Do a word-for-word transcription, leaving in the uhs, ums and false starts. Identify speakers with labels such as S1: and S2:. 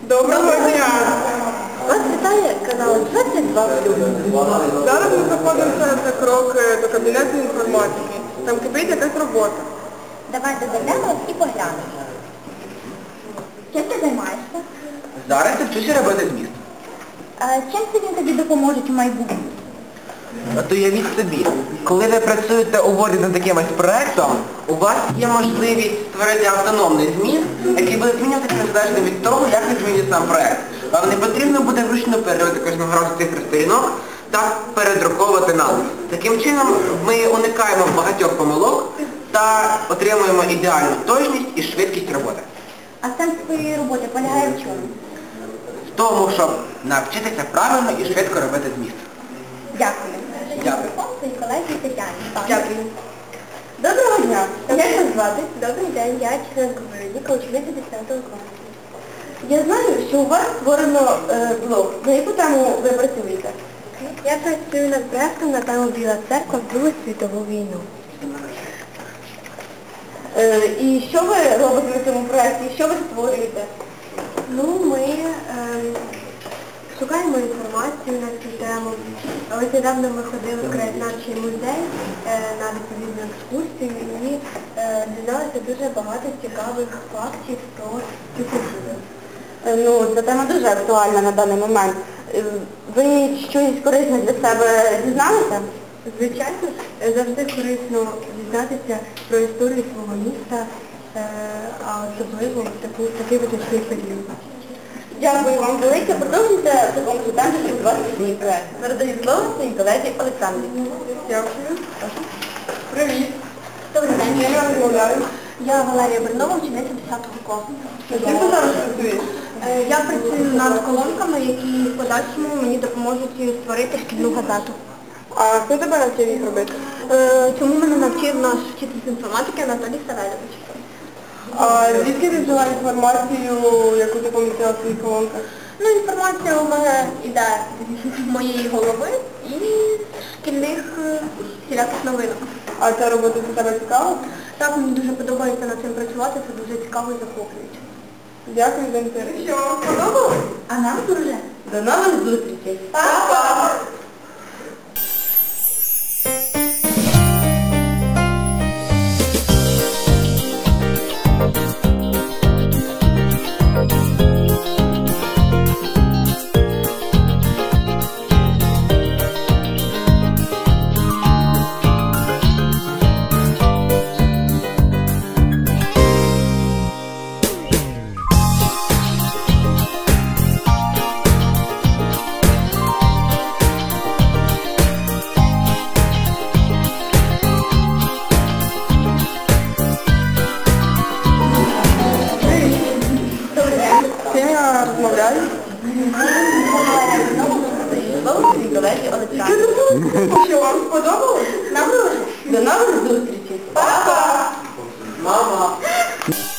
S1: Доброго дня!
S2: Вас вітає канал двадцять два плюс.
S1: Зараз ми знаходимося за крок до кабінету інформатики. Там кипить якась робота.
S2: Давайте зайдемо і поглянемо. Чим ти займаєшся?
S3: Зараз я вчуся робити зміст.
S2: А чим це він тобі допоможе у майбутньому?
S3: От уявіть собі, коли ви працюєте у Word над якимось проєктом, у вас є можливість створити автономний зміст, який буде змінюватися незалежно від того, як ви змінюєте сам проєкт. Вам не потрібно буде вручну переробити кожного разу цифри сторінок та передруковувати назви. Таким чином ми уникаємо багатьох помилок та отримуємо ідеальну точність і швидкість роботи.
S2: А сенс твоєї роботи полягає в чому?
S3: В тому, щоб навчитися правильно і швидко робити зміст.
S2: Дякую.
S3: Дякую.
S2: Своїй колезі Тетяні.
S1: Дякую.
S2: Доброго дня. Як вас звати? Добрий день, я Членко Вероніка, учениця десятого класу. Я знаю, що у вас створено е, блог. На яку тему ви працюєте? Я працюю над проєктом на тему Біла церква в Другу світову війну. Е, і що ви робите на цьому проєкті? Що ви створюєте? Ну, ми е, шукаємо інформацію на цю тему. Ось недавно ми ходили в краєзнавчий музей е, на відповідну екскурсію і е, дізналися дуже багато цікавих фактів про цю культуру. Е, ну, ця тема дуже актуальна на даний момент. Е, ви щось корисне для себе дізналися? Звичайно, завжди корисно дізнатися про історію свого міста, е, а особливо в таку, такий визначний період. Дякую вам велике. Продовжуйте в такому ж темпі, щоб у вас мій проєкт. Передаю слово своїй колезі Олександрі.
S1: Дякую. Привіт.
S2: Добрий день.
S1: Я не розмовляю.
S2: Я Валерія Бернова, учениця десятого класу.
S1: Чим ти зараз працюєш?
S2: Е, Я працюю над колонками, які в подальшому мені допоможуть створити шкільну газету.
S1: А хто тебе навчив їх робити?
S2: Е, Чому мене навчив наш вчитель з інформатики Анатолій Савельович?
S1: А звідки ти взяла інформацію, яку ти помістила в своїх колонках?
S2: Ну, інформація у мене йде з моєї голови і шкільних е, всіляких новинок.
S1: А ця робота для тебе цікава?
S2: Так, мені дуже подобається над цим працювати, це дуже цікаво і захоплююче.
S1: Дякую за інтерв'ю.
S2: Що, вам сподобалось? А нам дуже. До нових зустрічей. Па-па!
S1: Чим я розмовляю? Що, вам сподобалось?
S2: Нам дуже.
S1: До нових зустрічей. Па-па!
S3: Мама!